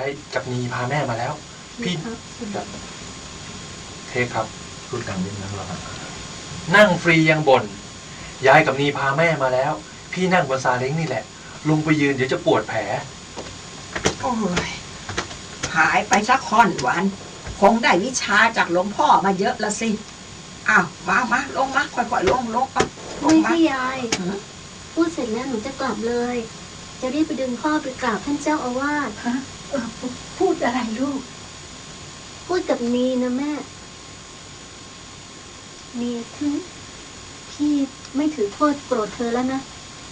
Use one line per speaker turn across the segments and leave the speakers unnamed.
ายกับนีพาแม่มาแล้ว พี่เทคครับพูดกันนิดนึงแล้วนั่งฟรียังบ่นยายกับนีพาแม่มาแล้ว พี่นั่งบนซาเล้งนี่แหละลงไปยืนเดี๋ยวจะปวดแผล
โอ้ยหายไปสักค่อนวันคงได้วิชาจากหลวงพ่อมาเยอะละสิอ้าวมาลงมาค่อยๆลงก่อน
ไม่ใช่ยายพูดเสร็จแล้วหนูจะกลับเลย จะรีบไปดึงพ่อไปกราบท่านเจ้าอาวาส
พูดอะไรลูก
พูดกับนีนะแม่นีพี่ไม่ถือโทษโกรธเธอแล้วนะ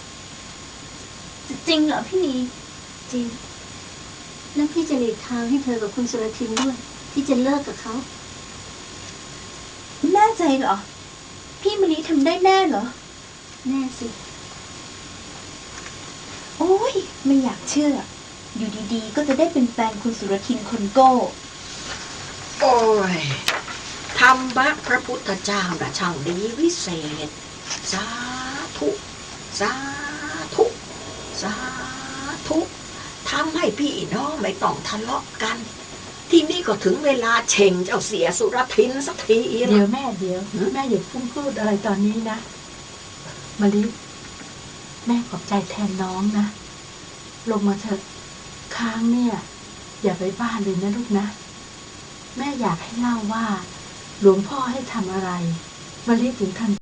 จริงเหรอพี่นีจริงแล้วพี่จะหลีกทางให้เธอกับคุณสุรทินด้วยที่จะเลิกกับเขา
แน่ใจเหรอพี่มณีทำได้แน่เหรอ
แน่สิ
โอ้ยไม่อยากเชื่ออยู่ดีๆก็จะได้เป็นแฟนคุณสุรทินคนโก้
โอ้ยธรรมะพระพุทธเจ้าน่ะช่างดีวิเศษสาธุสาธุสาธุทำให้พี่น้องไม่ต้องทะเลาะกันที่นี่ก็ถึงเวลาเช่งเจ้าเสียสุรทินสักที
เดี๋ยวแม่อย่าพูดอะไรตอนนี้นะมะลิแม่ขอบใจแทนน้องนะลงมาเถอะค้างเนี่ยอย่าไปบ้านเลยนะลูกนะแม่อยากให้เล่าว่าหลวงพ่อให้ทำอะไรมะลิถึงทำ